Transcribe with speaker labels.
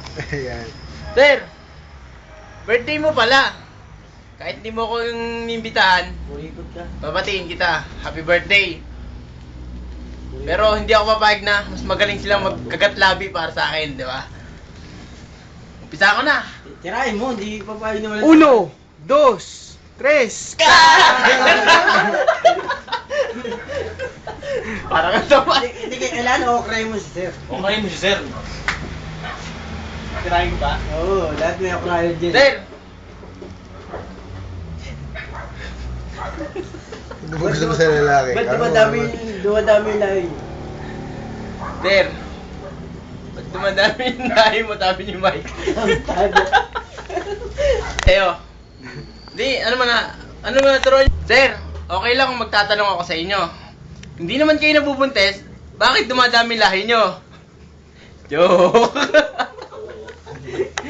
Speaker 1: Ayan.
Speaker 2: Sir, birthday mo pala. Kahit di mo ko yung imbitahan,
Speaker 3: Kurikot ka.
Speaker 2: babatiin kita. Happy birthday. Pero hindi ako papayag na mas magaling silang magkagat-labi para sa akin, di ba? Umpisa ko na.
Speaker 3: Tirahin mo, hindi papayag naman.
Speaker 1: 1, 2, 3.
Speaker 2: Parang ang tapat.
Speaker 3: Hindi kailangan okray mo si sir.
Speaker 2: Okay mo si sir. Tirahin ko ba?
Speaker 3: Oo, lahat may okray dyan.
Speaker 2: Sir!
Speaker 1: Ano ba gusto mo sa lalaki?
Speaker 3: Ba't
Speaker 1: Ano
Speaker 3: dumadami na yun?
Speaker 2: Sir! Ba't dumadami yung nahi mo, sabi ni Mike? Eyo. Di, ano man na turuan? Sir, okay lang kung magtatanong ako sa inyo. Hindi naman kayo nabubuntes, bakit dumadami lahi nyo? Joke!